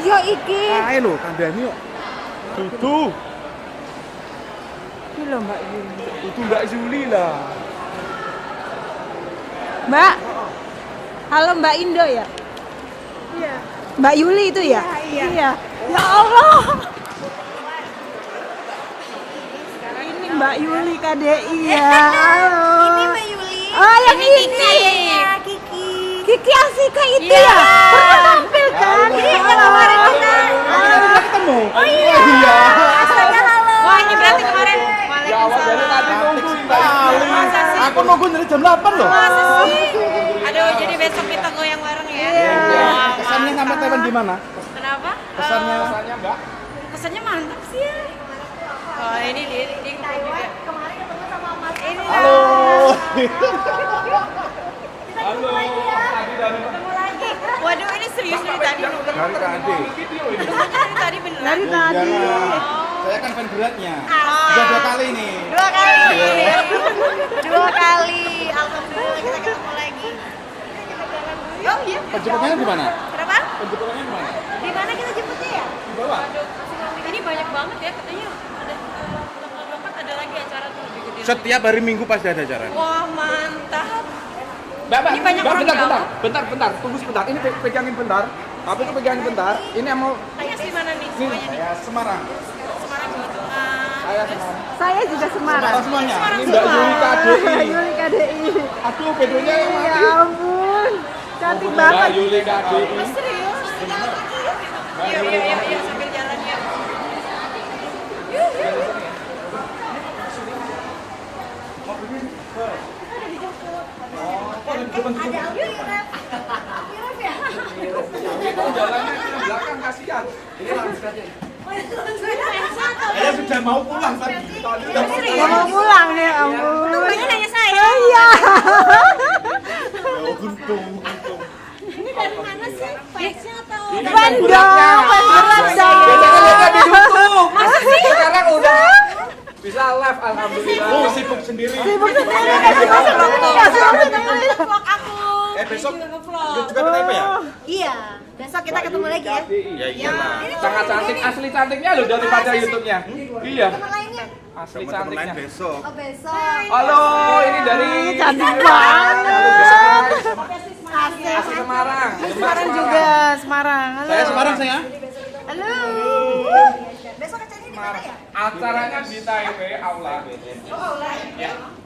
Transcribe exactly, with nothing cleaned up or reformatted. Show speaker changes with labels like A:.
A: yo iki.
B: Ayo lho, kandhani yuk. Dudu.
A: Iki lho Mbak Yuli.
B: Dudu Mbak Yuli lah.
A: Mbak. Halo Mbak Indo ya? Iya. Mbak Yuli itu ya? Iya. Iya. Ya Allah. Ini Mbak Yuli K D I ya. Halo.
C: Ini Mbak Yuli.
A: Oh, yang ini.
C: Kayaknya Kiki.
A: Kiki Asika itu
C: Iya.
A: ya? Pernah tampil kan?
C: Iya, kemarin kita.
B: Kita ketemu.
C: Oh iya.
B: Iya.
C: Asalnya halo.
D: Wah, ini berarti kemarin.
B: Ya awal dari tadi nunggu
D: Masa
B: sekali.
D: sih?
B: Aku nunggu dari jam delapan loh.
D: Masa sih? Aduh, jadi besok kita goyang bareng ya.
B: Iya.
D: Wah,
B: Kesannya sampai
D: mantap.
B: Taiwan gimana?
D: Kenapa?
B: Kesannya.
D: Eh,
B: Kesannya Mbak.
D: kesannya mantap sih ya. Oh, ini dia, dia ikut juga.
C: Kemarin ketemu sama Mas. Ini
B: Halo.
C: Halo. Tadi dari ketemu lagi.
D: Waduh, ini serius dari tadi.
B: Dari tadi.
D: Dari tadi beneran.
A: Dari tadi.
B: Saya kan fan beratnya.
D: Ah.
B: Sudah dua kali nih.
D: Dua kali. Dua kali. Alhamdulillah kita ketemu lagi. Oh iya.
B: Penjemputannya di mana?
D: Kenapa?
B: Penjemputannya di mana?
D: Di mana kita jemputnya ya?
B: Di bawah.
D: Ini banyak banget ya, katanya ada eh, tanggal dua puluh empat ada lagi acara tuh lebih gede.
B: Setiap hari Minggu pasti ada acara.
D: Wah, mantap.
B: Mbak, Mbak,
D: Ini banyak
B: Mbak,
D: orang
B: bentar,
D: Jawa.
B: bentar, bentar, bentar, tunggu sebentar. Ini pe- pegangin bentar. Tapi itu pegangin bentar. Ini yang mau
D: Tanya di mana nih
B: ini
D: semuanya nih?
B: saya Semarang.
D: Semarang Jawa Tengah.
B: Saya Semarang.
A: Saya juga Semarang.
B: Semarang semuanya.
D: Semarang
B: Ini Mbak
D: semua.
B: Yuli K D I.
A: Yuli K D I.
B: Aduh, bedonya yang
A: Ya
B: mati.
A: ampun. Cantik
B: Mbak
A: banget.
B: Yuli K D I.
D: Oh, serius? Iya, iya, iya, iya, sambil jalan ya. Yuk, yuk, yuk.
B: Jalannya ke belakang kasihan. Ini langsung aja. Saya sudah mau pulang tadi. Tadi udah mau
A: Gak
B: pulang.
A: mau pulang nih, ampun.
D: Banyak nanya saya.
A: Oh iya.
B: Oh, untung, untung.
D: Ini dari mana sih? Fansnya atau?
A: Fan dong, fan berat dong.
B: Biasanya lihat di YouTube. Masa sih? Sekarang udah bisa live alhamdulillah. Oh, sibuk sendiri.
A: Sibuk sendiri, kasih masuk sendiri, kasih masuk sendiri.
D: Vlog aku.
B: Eh, besok
D: Ini juga nge-vlog.
B: juga ke Taipei ya?
C: Iya. Besok kita ketemu lagi ya.
B: Ya iyalah. Sangat cantik, asli cantiknya loh daripada YouTube-nya. Iya.
C: Teman lainnya.
B: Asli cantiknya.
E: besok.
C: Oh besok.
B: Halo, ini dari
A: Cantik banget.
C: Asik.
B: asli Semarang.
A: Semarang juga, Semarang. Halo.
B: Saya Semarang saya.
A: Halo.
C: Besok acaranya di mana ya?
B: Acaranya di Taipei Aula.
C: Oh, aula.
B: Ya.